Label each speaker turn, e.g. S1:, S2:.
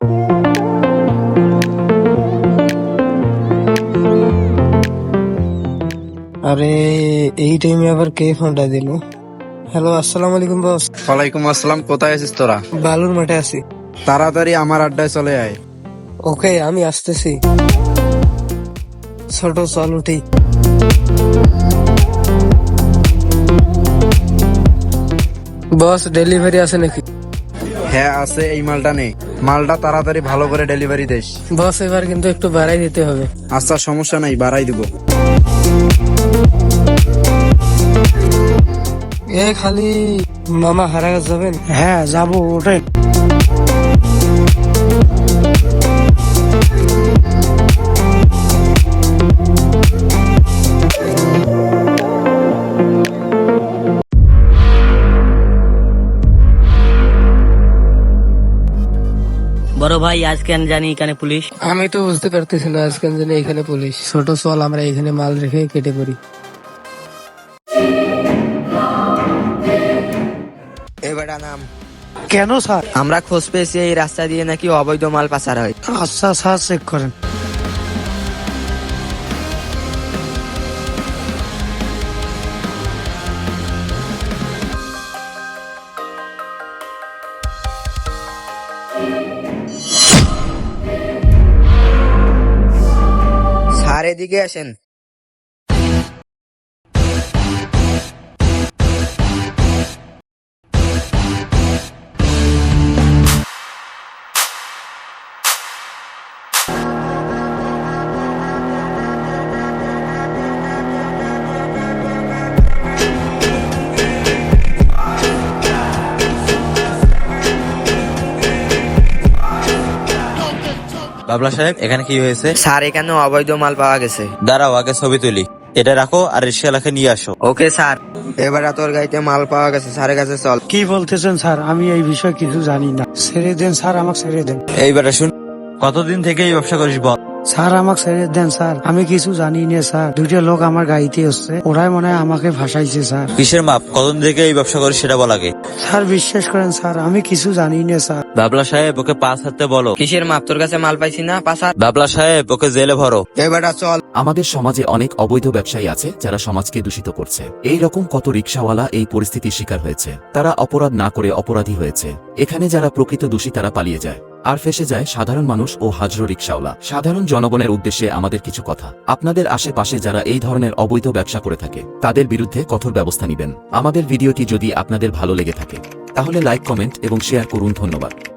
S1: আরে এই টাইমে আবার কে ফোনটা দিল? হ্যালো, আসসালামু আলাইকুম বস।
S2: ওয়ালাইকুম আসসালাম। কোথায় আছিস তোরা?
S1: বালুর মাঠে আছি।
S2: তাড়াতাড়ি আমার আড্ডায় চলে আয়।
S1: ওকে, আমি আসতেছি। ছোট চল উঠি। বস, ডেলিভারি আছে নাকি?
S2: হ্যাঁ আছে, এই মালটা নেই। মালটা তাড়াতাড়ি ভালো করে ডেলিভারি দিস।
S1: বস, এবার কিন্তু একটু বাড়াই দিতে হবে।
S2: আচ্ছা সমস্যা নাই, বাড়াই দিব।
S1: খালি মামা হারাগাছ যাবেন?
S3: হ্যাঁ যাবো, ওটাই।
S4: বড় ভাই আজ কেন জানি এখানে পুলিশ?
S1: আমি তো বুঝতে পারতেছি না আজকাল জানি এখানে পুলিশ। ছোট চল, আমরা এখানে মাল রেখে কেটে পড়ি।
S5: এবারে নাম।
S3: কেন স্যার?
S5: আমরা খোঁজ পেয়েছি এই রাস্তা দিয়ে নাকি অবৈধ মাল পাচার হয়।
S3: আচ্ছা স্যার, চেক করেন।
S5: স্যার এদিকে আসেন।
S6: বাবলা সাহেব, এখানে কি হয়েছে?
S5: স্যার এখানে অবৈধ মাল পাওয়া গেছে।
S6: দাঁড়াও, আগে ছবি তুলি। এটা রাখো আর রিক্সাওয়ালাকে নিয়ে আসো।
S5: Okay sir. এবারে তোর গাড়িতে মাল পাওয়া গেছে, স্যারের কাছে চল।
S3: কি বলতেছেন স্যার? আমি এই বিষয়ে কিছু জানি না। ছেড়ে দেন স্যার, আমাকে ছেড়ে দেন।
S6: এইবার শুন, কতদিন থেকে এই ব্যবসা করিস বল?
S3: স্যার আমাকে ছেড়ে দেন স্যার, আমি কিছু জানি না স্যার। দুইটা লোক আমার গাড়িতে আসছে, ওরাই মনে হয় আমাকে ফাঁসাইছে স্যার।
S6: কিসের মাপ? কতদিন থেকে এই ব্যবসা করিস সেটা বল আগে।
S3: স্যার বিশ্বাস করেন স্যার, আমি কিছু জানি না স্যার।
S6: বাবলা সাহেব, ওকে পাঁচ হাতে বলো।
S5: কিসের মাপ? তোর কাছে মাল পাইছি না পাচার।
S6: বাবলা সাহেব, ওকে জেলে ভরো।
S5: এবারে চল।
S7: আমাদের সমাজে অনেক অবৈধ ব্যবসায়ী আছে যারা সমাজকে দূষিত করছে। এই রকম কত রিকশাওয়ালা এই পরিস্থিতির শিকার হয়েছে। তারা অপরাধ না করে অপরাধী হয়েছে। এখানে যারা প্রকৃত দোষী তারা পালিয়ে যায়, আর ফেসে যায় সাধারণ মানুষ ও হাজারো রিকশাওয়ালা। সাধারণ জনগণের উদ্দেশ্যে আমাদের কিছু কথা। আপনাদের আশেপাশে যারা এই ধরনের অবৈধ ব্যবসা করে থাকে তাদের বিরুদ্ধে কঠোর ব্যবস্থা নেবেন। আমাদের ভিডিওটি যদি আপনাদের ভালো লেগে থাকে তাহলে লাইক, কমেন্ট এবং শেয়ার করুন। ধন্যবাদ।